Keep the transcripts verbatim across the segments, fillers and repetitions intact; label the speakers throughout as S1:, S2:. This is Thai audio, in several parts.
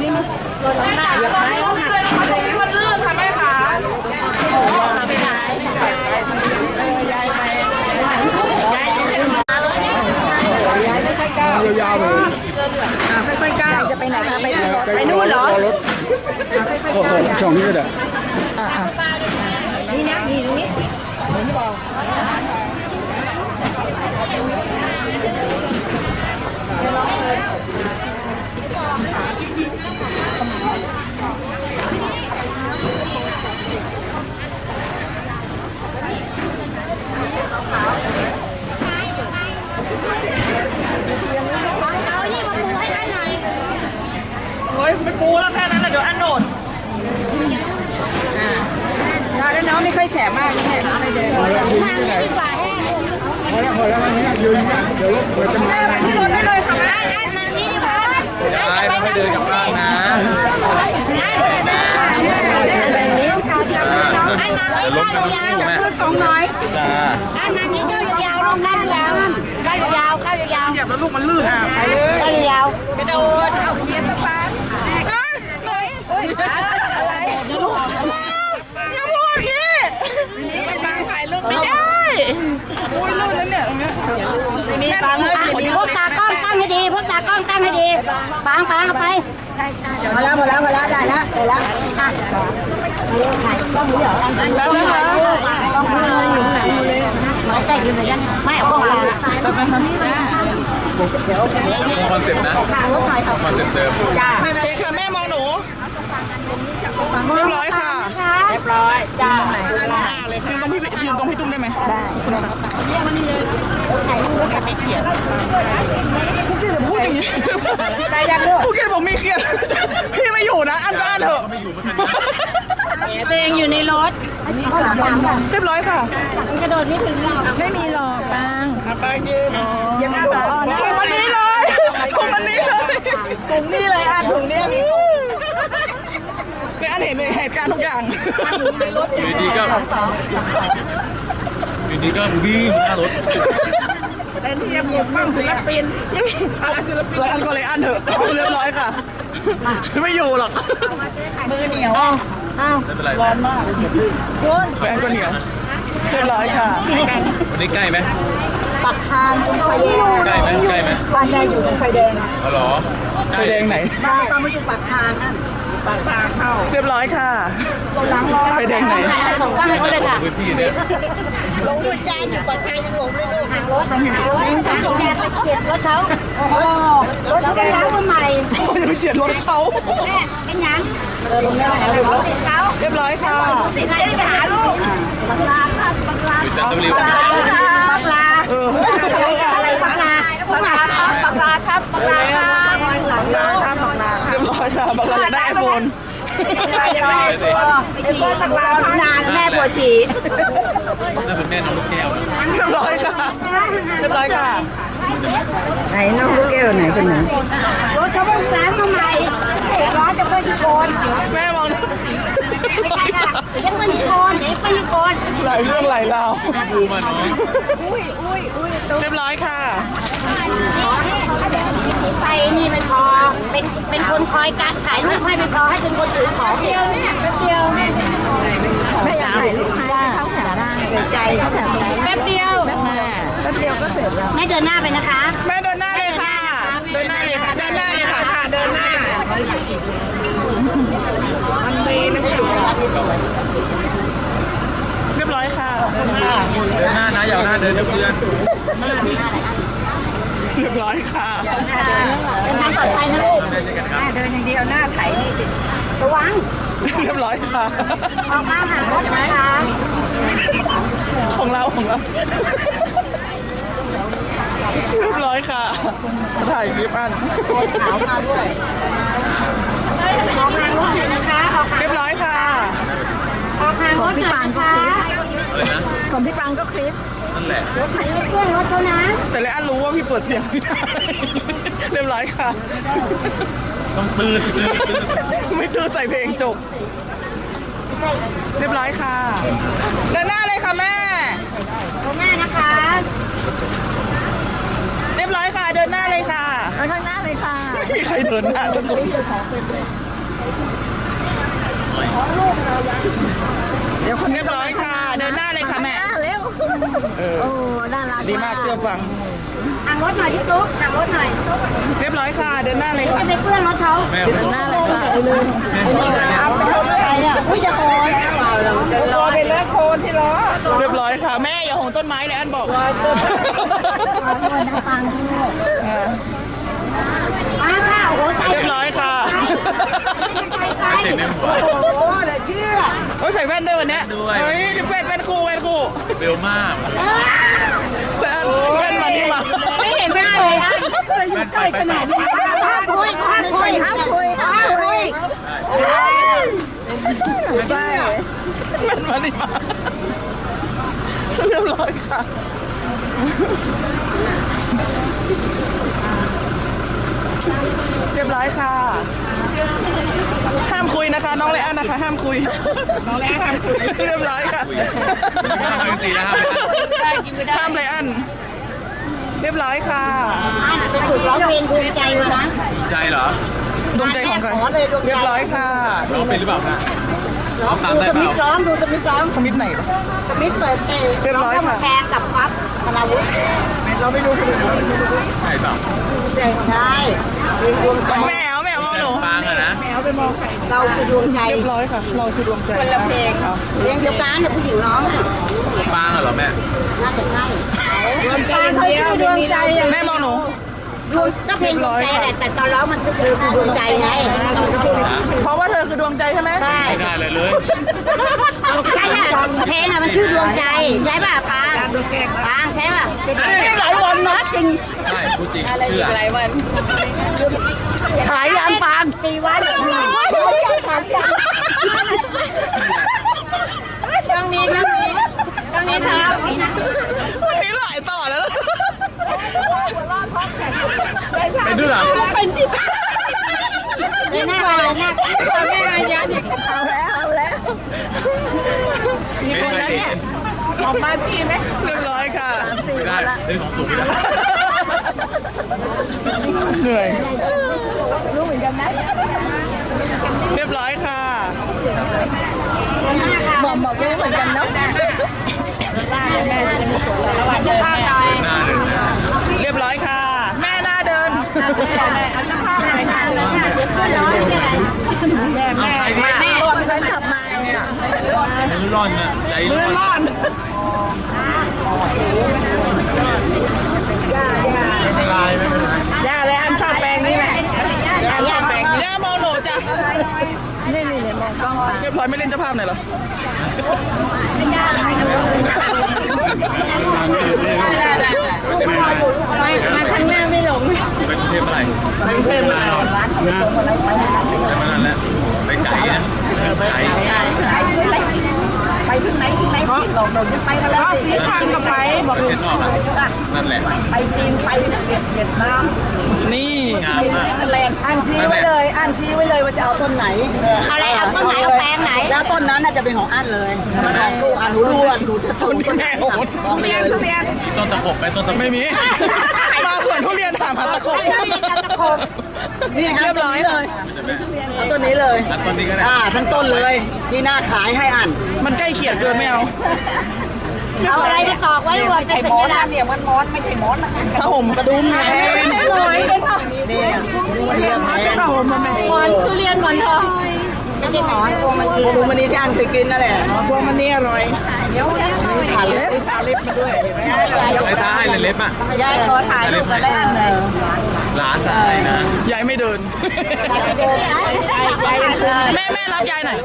S1: นี้มั้ยอย่าไปเอาหักตรงนี้มันลื่นค่ะแม่ขาไม่ได้เออยายไปยายยายไม่ค่อยก้าวยาวๆเลยอ่าค่อยๆก้าวจะไปไหนคะไปไปนู่นเหรอค่อยๆก้าวช่องนี้ก็ได้อ่านี่นะนี่ตรงนี้ไม่บอกเฮ้ยไม่ปูแล้วแค่นั้นแหละเดี๋ยวอันโดดอ่าแล้วน้องไม่ค่อยแฉะมากนี่แหละไม่เดินพอแล้วยืนที่ไหนพอแล้วพอแล้วนี่ยืนเดี๋ยวเดี๋ยวจะมาไปที่รถได้เลยค่ะแม่
S2: ได้ไม่ให้เดินกลับบ้านนะ
S1: แบบนี้ค่ะ
S2: จะล้มกันทุกคู่แม่
S1: สองน้อย
S2: จ้า
S3: อันนั้นนี่ก็ยาวๆลงได้ยาวก้าวยาวก้าวยาว
S1: เหยียบแล้วลูกมันลื่นอ่ะไปเลย
S3: ก้าวยาว
S1: ไปโดนเอาเหยียบสักพักเฮ้ยเฮ้ยอะไรอย่าพูดพี่นี่มันบางถ่ายรูปไม่ได้อุ้ยลื่นแล้วเนี่ยตรงเนี้ยนี่บางเลย
S3: พวกตากล้องตั้งให้ดีพวกตากล้องตั้งให้ดีปางปางเอาไป
S1: ใช่ใช่หมดแล้วหมดแล้วหมดแล้วได้แล้วได้แล้วอ่ะ
S3: ถ่ายกล้องนี้เหรอ
S1: แล้วนะคะ
S3: กล้องนี้อยู่ไหนเลยไม่ใช่ยืนเหมือนกันไม่เอากล้องกลาง
S2: คอนเซ็ปต์นะคอนเซ็ปต์เดิม
S1: จ้าแม่เช็คค่ะแม่มองหนูเรียบร้อยค่ะเรียบร้อยจ้ายืนตรงพี่ยืนตรงพี่ตุ้มได้ไหมได้
S3: ถ่ายรูปแล้วกันไม่เขียน
S1: ผู้เกียรติพูดอย่างนี้ได้ยังลูกผู้เกียรติบอกมีเครียดพี่ไม่อยู่นะอันก็อันเถอะ
S3: ตัวเองอยู่ในรถ
S1: เรียบร้อยค่ะ
S3: มันกระโดดไม่ถึงหรอก
S1: ไม่มีหรอกบางบางยืนยังไงบ้างถุงมันนี้เลยถุงมันนี้เลยถุงนี้เลยอันถุงนี้มีคืออันเห็นเหตุการณ์ทุกอย่างในรถ
S2: อยู่ดีก็อยู่ดีก็วิ่งหน้ารถ
S1: แต่ที่ยังหมดบ้างศิลปินอันศิลปินแล้วอันก็เลยอันเถอะเรียบร้อยค่ะไม่อยู่หรอกมือเหนียวอ้าวร้อนมากคุณแฟนก็เหนียวเรียบร้อยค่ะ
S2: วันนี้ใกล้ไหม
S1: ปักทางตรงไฟแดง
S2: ใกล้ไหมใกล้ไหม
S1: บ้านยายอยู่ตรงไฟแดง
S2: อ๋อเหรอ
S1: ไฟแดงไหนบ้านต้องมาอยู่ปักทางนั่นปักทางเข้าเรียบร้อยค่ะหลังรอไฟแดงไหน
S3: ส่งตั้งให้เขาเลยค่ะ
S2: พื้นที่เนี่ย
S3: ลงด้วยใจอยู่ปักทางยังหลงเลยห่างรถห่างรถห่างรถไปเจ็บรถเขาโอ้โหรถเขาไปล้างมาใหม่
S1: จะไปเจ็บรถเขา
S3: แม่เป็นยังเออตรงนี้แหละเขาติดเขา
S1: เรียบร้อยค่ะ
S3: ติดใจไปหาลูกบังลาครับบังลา
S2: บังลา
S3: บังลา
S1: เออ
S3: อะไรบังลาบังลาครับบังลาครับบังลาครับบังลาครับบังลา
S1: เรียบร้อยค่ะบังลาอยากได้ไอโฟน
S3: ไม่ได้ไอโฟนบังลานานแม่ปวดฉี่
S2: น่าเป็นแม่น้องลูกแก้ว
S1: เรียบร้อยค่ะเรียบร้อยค่ะ
S4: ไหนน้องลูกแก้วไหนคนไหน
S3: รถเขาเพิ่งล้างมาใหม่ร้อนจะเพิ่งที่โกน
S1: แม่มอง
S3: ไม่ใช่ค่ะยังเป็นโคนยังเป็นโคน
S1: หลายเรื่องหลายราว
S2: ดูมาน้อง
S1: อุ้ยอุ้ยอุ้ยเรียบร้อยค่ะ
S3: ไฟนี่ไม่พอเป็นเป็นคนคอยการขายรูปให้ไม่พอให้เป็นคนถือของเดียวเนี่ยแป๊บเดียวแม่
S4: ไม่อยากถ่ายรูปให้เขาแถวได้ใจเขาแถว
S3: แป๊บเดียว
S4: แป๊บเดียวก็เสร็จแล้ว
S3: แม่เดินหน้าไปนะคะ
S1: แม่เดินหน้าเลยค่ะเดินหน้าเลยค่ะเดินหน้าเลยค่ะเดินหน้ามันมีน้ำอยู่เรียบร้อยค่ะเดินหน้า
S2: เดินหน้านะอย่าหน้าเดินเพื่อน
S1: เรียบร้อยค่ะ
S3: เดินทางปลอดภัยนะลูก
S4: หน้าเดินอย่างเดียวหน้าไถนี่ติด
S3: ระวัง
S1: เรียบร้อยค่ะ
S3: ออกมาหารถนะคะ
S1: ของเราของเราเรียบร้อยค่ะถ่ายคลิปอัน
S3: ขาวมาด้วยออกทางรถนะคะ
S1: เรียบร้อยค่ะ
S3: ออกทางรถนะคะ
S4: ของพี่ปังก็คลิป
S2: นั่นแหละ
S3: รถไถรถเครื่องรถเขานะ
S1: แต่เลยอันรู้ว่าพี่เปิดเสียงไม่ได้เรียบร้อยค่ะ
S2: ต้องตื่นตื่น
S1: ไม่ตื่นใจเพลงจบเรียบร้อยค่ะเดินหน้าเลยค่ะแม่
S3: เดินหน้านะคะ
S1: เรียบร้อยค่ะเดินหน้าเลยค่ะ
S4: ไปข้างหน้าเลยค่ะ
S1: มีใครเดินหน้าสักคนเดี๋ยวคนเรียบร้อยค่ะ เดินหน้าเลยค่ะแม่
S4: เร็ว
S1: เออ
S4: โอ้น่ารัก
S1: ดีมากเชื่อฟัง
S3: ทางรถหน่อยที่ตุ๊กทางรถหน่อย
S1: เรียบร้อยค่ะ เดินหน้าเลยค่ะ
S3: จะไปเปื้อนรถเขา
S2: แม่
S1: เดินหน้าเลยค่ะ
S3: ใครอ่ะอุ้ยจะโอนโอนไปเลยโคนที่ล้อ
S1: เรียบร้อยค่ะ แม่อย่าหงต้นไม้เลยอันบอก อ่า
S3: มาค่ะโอ้โหใจ
S1: เรียบร้อยค่ะ
S3: ใจ
S2: ติดในหัว
S3: โอ้โหเดี๋ยวเชื่อ
S1: โอ้ยใส่แว่นด้วยวันเนี้ย
S2: ด้วย
S1: เฮ้ยแว่นแว่นคู่แว่นคู่
S2: เบลมาก
S1: แว่นแว่นมานี่มา
S4: ไม่เห็นหน้าเลยอ่ะ
S2: แม่นไปไปไป
S3: ห้ามคุยห้ามคุย
S4: ห้ามคุยห้าม
S3: ห้าม
S4: คุ
S3: คุ
S4: ย
S3: ย
S1: ใช่แว่นมานี่มาเรียบร้อยค่ะ เรียบร้อยค่ะ ห้ามคุยนะคะ น้องเลอันนะคะ ห้ามคุย น้องเลอันห้ามคุย เรียบร้อยค่ะ
S2: ห้ามจริงๆนะห้าม
S1: ห้ามเลอัน เรียบร้อยค่ะ
S3: ไปฝึกร้องเพลงภูมิใจมานะ
S2: ใจเหรอ
S1: ดวงใจของใคร เรียบร้อยค่ะ
S2: ร้องเป็นหรือเปล่าคะร้องตาม
S3: ดู
S2: ได้
S3: ส
S2: เป
S3: มิธร้
S2: ล่า
S3: องดูสมิธร้อง
S1: สมิธไหนวะ
S3: สมิธเปิดเตะ
S1: เรียบร้อยค่ะ
S3: แพงกับปั๊บธนาวุฒิ
S1: เราไม่รู้คนอื่น
S2: ใช่เปล่า
S3: ใช่เพลงดวงใจ
S1: แมวแมวมองหนู
S2: ฟังอะนะ
S3: เราคือดวงใจ
S1: เรียบร้อยค่ะ เราคือดวงใจคนละเพลง
S3: เพลงเดียวกันเนี่ยผู้หญิงร้อง
S2: ฟังอะเหรอแม่
S3: น่าจะใช่
S4: ดวงใจเขาชื่อดวงใจอย่าง
S1: แม่มองหนู
S3: ดวงก็เพลงดวงใจแหละแต่ตอนร้องมันก็คือคือดวงใจไง
S1: เพราะว่าเธอคือดวงใจใช่ไหม
S3: ใช่
S2: ไม่ได้เลยเลย
S3: ใช่อะเพลงอะมันชื่อดวงใจใช่ป่ะปางปางใช่ป่ะหลายวันนะจริง
S2: ใช่พูดจริงเชื่อ
S3: ขายยานปางสี่วันต้องนี้ต้องนี้ต้องนี้ครับ
S1: วันนี้หลายต่อแล้วนะ
S2: เป็นด้วยเหรอ
S3: เดินหน้าไปเดินหน้าไปไม่มายัน
S4: เอาแล้วเอาแล้ว
S2: ไม่เคยเห็น
S1: ออกมาพี่ไหมเรียบร้อยค่ะ
S2: ไม่ได้เล่นของสูงไม่ได้
S1: เหนื่อย
S4: รู้เหมือนกันนะ
S1: เรียบร้อยค่ะ
S4: บอกบอกรู้เหมือนกันเนาะ
S3: จะพาหน่อย
S2: หน้าหนึ่งนะ
S1: เรียบร้อยค่ะ แม่หน้าเดิน
S3: อันจะพาหน่อยค่ะเดี๋ยวขึ้นร้อยเนี่ย
S2: เอาใครเนี่ย
S4: แม่คนนั้นขับมาเนี่ย
S2: มือร้อนนะใจร้อน
S3: ย่าย่า
S2: ไม่เป็นไรไม่เป็นไร
S1: ย่าเลยอันชอบแปลงนี้แหละย่าชอบแปลงย่ามองหนูจ้ะ
S4: นี่นี่นี่มองกล้องไป
S1: เรียบร้อยไม่เล่นเจ้าภาพหน่อยเหรอ
S4: มาข้างหน้าไม่หลง
S2: ไปกรุงเทพเมื่อไหร่ไปกรุงเทพเมื่อไหร่ไปมานานแล้วไปไกลนะไกล
S3: ไปที่ไหนที่ไหนที่หลอกหลงจะไปกันแล้วสิ
S1: ทางกับไปบอก
S2: เห็นออกอ่ะนั่นแหละ
S3: ไปจีนไปเวียดเวียดนาม
S1: นี่
S2: งามมาก
S3: แรงอ่านชี้ไว้เลยอ่านชี้ไว้เลยว่าจะเอาต้นไหนเอาอะไรเอาต้นไหนเอาแปลงไหนแล้วต้นนั้นน่าจะเป็นของอันเลยถ้ามันออกลูกอันหนูรู้ว่าหนูจะชนต้นไหนมองไปเลย
S2: มีต้นตะขบไหมต้นตะขบ
S1: ไม่มี มาสวนทุเรียนถามหาตะขบ
S3: นี่เรียบร้อยเลยเอาต้นนี้เลย
S2: อันต้นนี้ก็ได้
S3: อ่าทั้งต้นเลยที่หน้าขายให้อัน
S1: มันใกล้เขียดเกินไม่เอา
S3: เอาอะไรไปตอกไว้รวมเป็นสัญลักษณ์เนี่ยมันมอนไม่ใช่มอนนะ
S1: ถ้าห่มกระดุมไง
S4: ไม่ใช่หมอนเป็นผัก
S3: เนี่ยเนี่ยแพง
S4: หมอนทุเรียนหมอนทอง
S3: ไม่ใช่หมอนพวงมันดีพวงมันดีที่อันเคยกินนั่นแหละพวงมันดีอร่อย
S4: เดี๋ยวแล้ว
S3: ถ่ายเล็บถ่ายเล็บมาด้วย
S2: ไอ้ตาให้เล็บอ่ะ
S3: ยายขอถ่ายรูปกันแล้วเลย
S2: ร้านอะไรนะ
S1: ยายไม่เดิน แม่แม่รับยายหน่อย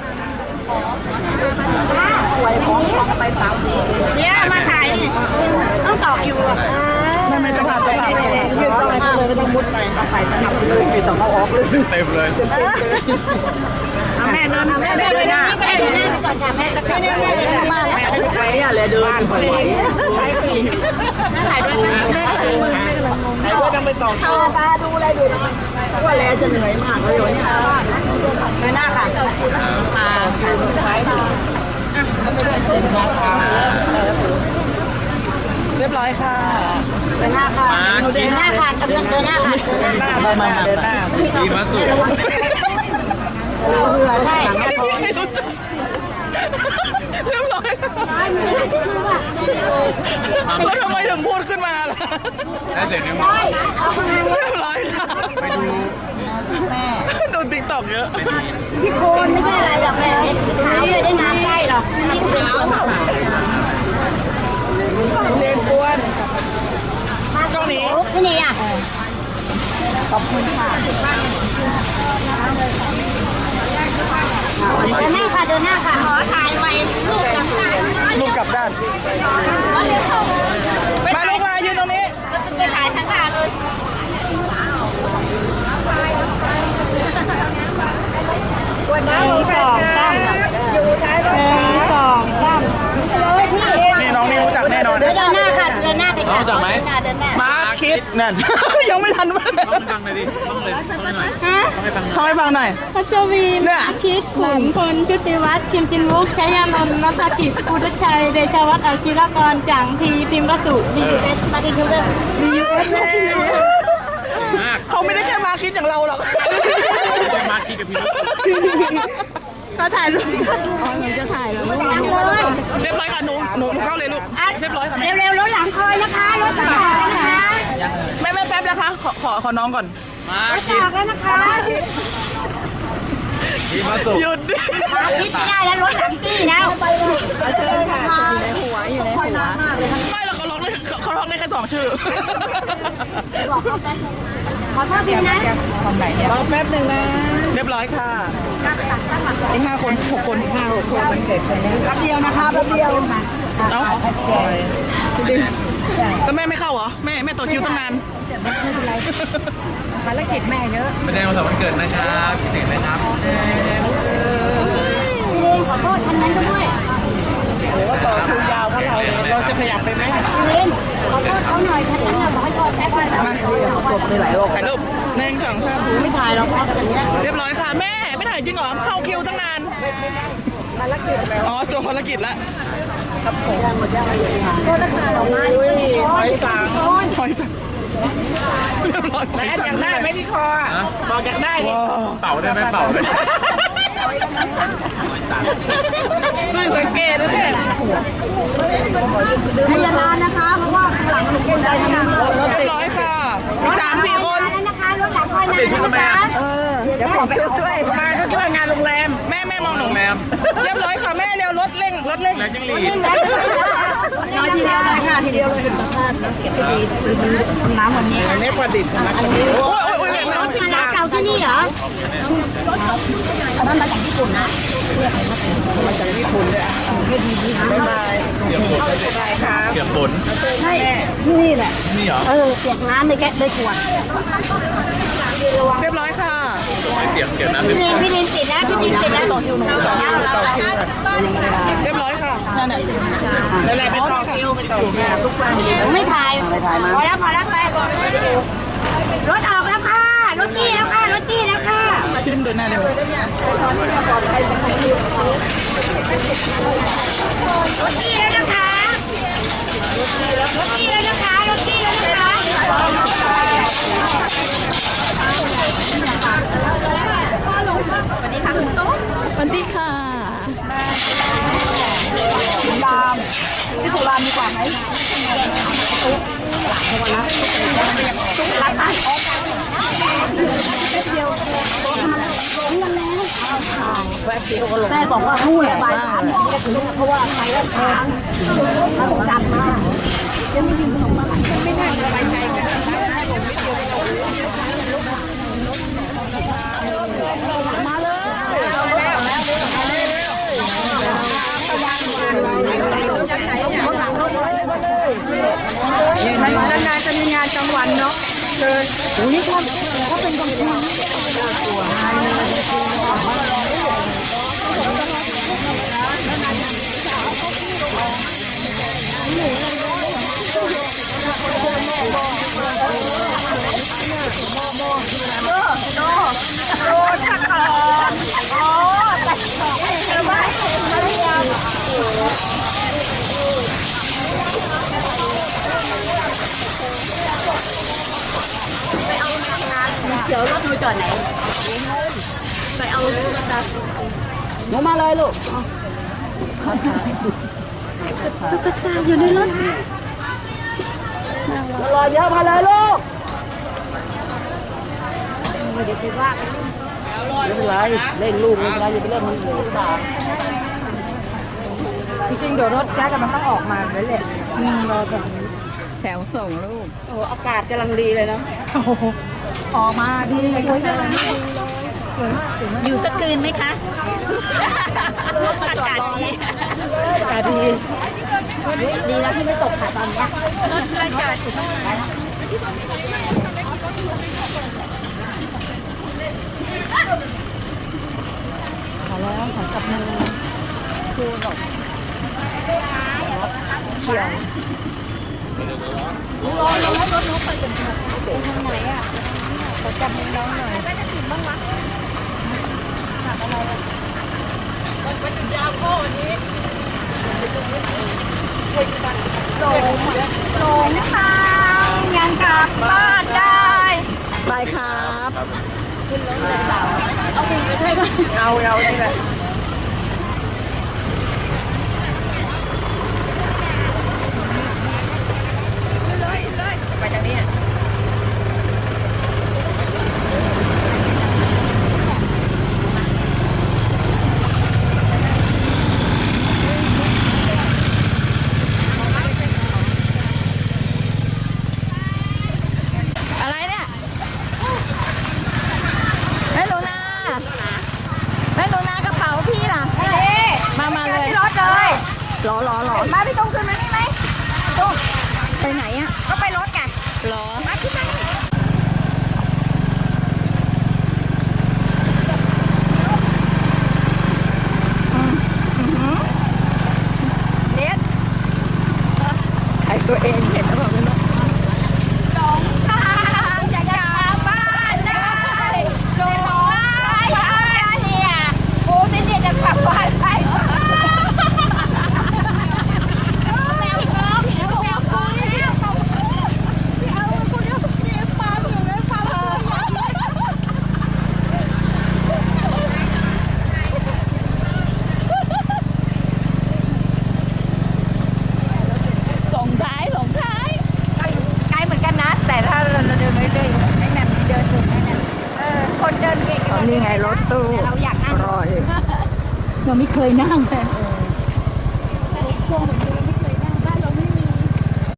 S3: เนี่ยมาถ่ายต้องต่อคิวอ่ะ
S1: แม่ไม่จะพาจะพา
S3: ยืนต่อไปเลยไม่ต้องมุดไปต้องไปต้องเลยไม่ต้องเอาออกเลย
S2: เต็มเลย
S3: แม่เดินแม่เดินไปนะแม่เดินก่อนค่ะแม่จะกลับมาแม่ไปเนี่ยเลยเดินไปถ่ายด้วยแม่กำลังมึนแม่กำลังงงแม่ก็ต้องไปต่อคิวตาดูอะไรดูว่าแลจะเหนื่อยมากเลยวันนี้แม่หน้าค่ะมาถ่ายรูป
S1: เรียบร้อยค่ะ
S3: เดินหน้าค่ะเดินหน้าค่ะเดินเดินหน้าค่ะเดินหน้า
S1: ไม่ไม่ไม่
S2: ดีมาสุด
S3: เรือใช่
S1: เรียบร้อยแล้วทำไมถึงพูดขึ้นมาล่ะ
S2: ได้เสร็จยังไง
S1: เรียบร้อยค่ะ
S2: ไปดู
S3: แม่
S1: ดูติ๊กต็อกเยอะ
S3: พี่โคนไม่ใช่อะไรหรอกแม่ขาวเลยได้น้ำใกล้หรอกพี่ขาวเรียนกวนกล้องนี้พี่นี่อ่ะขอบคุณค่ะเดินหน้าค่ะเดินหน้าค่ะขอถ่ายไว้ลูกกับข้า
S1: ลูกกลับด้าน
S3: ก็เลี้ยวเข้า
S1: มาลูกมายืนตรงนี้
S3: ไปถ่ายทั้งทางเลยวันนั้นสองสามอยู่ท้ายรถหนึ่งสองสามเลยพี่
S1: นี่น้องนี่รู้จักแน่นอน
S3: เดินหน้าค่ะเดินหน้าไปค่ะรู้จักไหมเดินหน้า
S1: มาคิดนั่น ยังไม่ทันมัน
S2: ต้องฟังเลยดิต้องเลยต้องหน่อย
S4: ฮะ
S2: ต้องให้ฟังหน่อย
S1: ทำให้ฟังหน่อย
S4: พัชวี
S1: เนี่ย
S4: คิดขุนพลชุติวัฒน์คิมจินวุกชัยยานนท์นัทกิจอุดชัยเดชวัฒน์อาชีรกรจังทีพิมพ์วสุดียูเอสมาดิทูเดอร์ดียูเอส
S2: มาก
S1: เขาไม่ได้แค่มาคิดอย่างเราหรอก
S2: จะมาคีกับพี่
S4: เขาถ่ายรูปอ๋อหนูจะถ่ายแล้วลูก
S3: หลังเลย
S1: เรียบร้อยค่ะหนูหนูเข้าเลยลูกเรียบร้อยค่ะแม่
S3: เร็วๆรถหลังคอยนะคะรถต่อนะคะ
S1: แม่แม่แป๊บนะคะ ขอขอขอน้องก่อน
S2: มาร
S3: ถ
S2: คี
S3: ต่อแล้วนะคะ
S2: คีมาสุ
S1: หยุดดิ
S3: มาคิดไม่ได้แล้วรถหลังตี้แล้วไปเลยเชิญค่ะ
S4: อยู่ในหัวอยู่ในหัว
S1: ไม่เราเขาร้องได้เขาเขาร้องได้แค่สองชื่อ
S3: บอกเขาแป๊บขอโทษพี่นะ
S1: รอแป๊บหนึ่งนะ เรียบร้อยค่ะอีกห้าคนหกคนห้าหกคนมันเกิดคนนี้
S3: แป๊บเดียวนะคะแป๊บเดียว
S1: เอ้าแล้วแม่ไม่เข้าเหรอ แม่แม่ต่อคิวตั้งนาน
S4: ภารกิจแม่เยอะ
S2: แสดงวันเสาร์วันเกิดนะครับคิดถึงนะครับ
S3: ขอโทษคันนั้นด้วย
S1: ต่อคิวยาวเพราะเราเราจะขยับไปไหม
S3: เล่นขอโทษเขาหน่อยคันนั้นน่ะบอกให้ขอแป๊บนึง
S1: มามีหลายโลกถ่ายรูปหนึ่งสองสาม
S3: ไม่ถ่ายหรอกคันนี้
S1: เรียบร้อยค่ะแม่ไม่ถ่ายจริงเหรอเข้าคิวตั้งนานอ๋อจบภารกิจแล้ว
S3: โทษนะคะออกมาด้วย
S1: หอยสังหอยสังเรียบร้อยหอยสังได้ไหมที่คอบอกอยากได้ดิ
S2: เป่าได้ไหมเป่าได้
S1: ด้วยสังเกตนะเนี่ย
S3: พยานานนะคะ เพราะว่าหลังหนูคนได้นะคะ
S1: เรียบร้อยค่ะมีสามสี่คน
S3: นะคะรถหลังคอยนาน
S2: เปลี่ยนชุดทำไมอ่ะ
S3: เดี๋ยวผมชุดด้วย
S1: มาก็ช่วยงานโรงแรมแม่แม่มองหนู
S2: โรงแรม
S1: เรียบร้อยค่ะแม่เร็วรถเร่งรถเร่ง
S2: แรงจิ้งหรีด
S3: น้อยทีเดียวเลยค่ะทีเดียวเลยเก็บไปดีน้ำวันนี้
S1: อันนี้ประดิษฐ์นะโอ้ยโอ้ยโอ้ยแม่
S3: รถคณะเก่าที่นี่เหรออันนั้นมาจากญี่ปุ่นนะ
S1: มาจากญี่ปุ่นเลยอ่ะบ๊ายบาย
S2: เกี่ยวฝน
S1: บายครับ
S2: เกี่ยวฝน
S3: ใช่นี่แหละ
S2: นี่เหรอ
S3: เออเปียกน้ำในแก๊สในขวด
S1: เรียบร้อยค่ะ
S2: เกี่ยวเกี่ยวน้ำ
S3: พี่
S2: เป็น
S3: ลินพี่ลินติดนะพี่ลินติดนะต่อคิวหนูต่อคิวต่อคิว
S1: เรียบร้อยค่ะนั่นแหละนั่นแหละเป็นต่อคิวเป็นต่อคิวทุกวัน
S3: ไม่ถ่ายพอแล้วพอแล้วไปรถออกแล้วค่ะรถจี้แล้วค่ะรถจี้แล้วค่ะ
S1: พี่เดินหน้าเร็ว
S3: รถจี้แล้วนะคะรถจี้แล้วนะคะรถจี้แล้วนะคะสวัสดีค่ะคุณตุ๊ก
S4: สวัสดีค่ะ
S3: สุรามพี่สุรามดีกว่าไหมตุ๊กตุ๊กรักบ้านแม่บอกว่านู่นบ่ายสามจะถึงเพราะว่าไปแล้วทางมาต้องจำมาจะไม่ยืนขนมมาไม่ได้สบายใจกันมาเลยนานๆจะมีงานกลางวันเนาะเชิญโอ้นี่ชอบเขาเป็นกองทุนจอดไหนไปเอาหนูมาเลยลูกตุ๊กตาอยู่ในรถมารอเยอะมาเลยลูกเดี๋ยวไปว่าไม่เป็นไรเล่นลูกไม่เป็นไรอย่าไปเล่นมันเหลือตาจริงๆเดี๋ยวรถแจ๊กมันต้องออกมาเลยแหละรอแบบนี้แถวส่งลูกโอ้อากาศกำลังดีเลยเนาะออกมาดีสวยจังเลยอยู่สักคืนไหมคะอากาศดีอากาศดีดีแล้วที่ไม่ตกค่ะตอนนี้อากาศขอแล้วขอจับมือคูหน่อยเชียวรอรอรถรถไปจนถึงทางไหนอ่ะขอจับมือน้องหน่อยไม่จะถึงบ้างวะถามอะไรมันเป็นยาวโค้วันนี้หลงหลงทางยังกลับบ้านได้ไปครับขึ้นรถเลยเอาไปให้ก็เอาเอานี่แหละไปทางนี้อะไรเนี่ยแม่หนูนาแม่หนูนากระเป๋าพี่ล่ะมามาเลยรถเลยรอรอรอมาพี่ตุ้งขึ้นมานี่ไหมตุ้งไปไหนอ่ะก็ไปรถไงรอมาขึ้นมาเน็ตใครตัวเองเห็นแล้วบอกไม่รู้หลงทางจะกลับบ้านได้หลงทางเนี่ยโอ้ยเนี่ยจะกลับบ้านได้นี่ไงรถตู้เราอยากนั่งรออยู่เราไม่เคยนั่งเลยช่วง